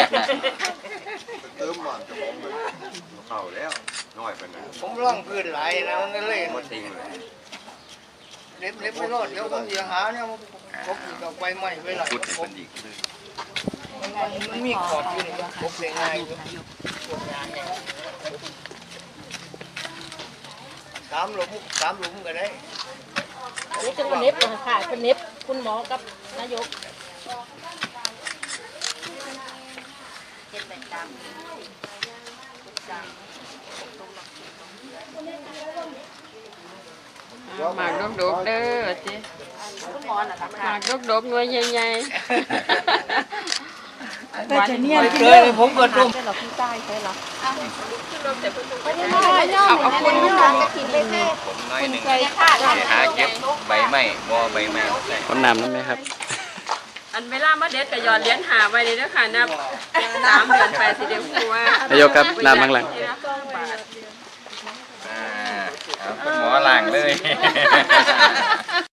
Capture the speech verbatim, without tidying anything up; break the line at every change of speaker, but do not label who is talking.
เติมมันจะมองเลยเข้าแล้วน้อยไปหน่อย
ผมร่องพื้นไหลนะมันก็เลย
มาทิ้งเลย
เล็บเล็บไม่รอดเดี๋ยวผมจะหาเนี่ยผมอีกเอาไปใหม่ไปหลาย
พุทธ
ผ
เป็
ม
นอีกเลย
มันมีขอบอยู่นี่ผมเป็นไงสามหลุมสามหลุมก็ได้
นี่จะเป็นเน็บค่ะเป็นเน็บคุณหมอกับนายก
หมากดกๆเด้อจี
คุณหมอน่ะค่ะ
หมากดกๆหน่วยใหญ่ๆหวาน
เลยผมก็ต้ม
เราพี่ใต้ใช่หรอ
เอาเอาคน
คุณหมอจะกินเลยแม่
ผมน้อยหนึ่ง
ใส่ค่ะ
หาเก็บใบไม้บ่ใบไม้ใส่
คนน้ำนั่นไหมครับ
อันเวลามาเด็ดก็หยอดเหรียญหาไว้เลยเด้อค่ะนับสามเดือนไปสิเดี๋ยวครูว่าน
ายกครับน้ำข้างหลัง
อ่าเอาคุณหมอล้างเลย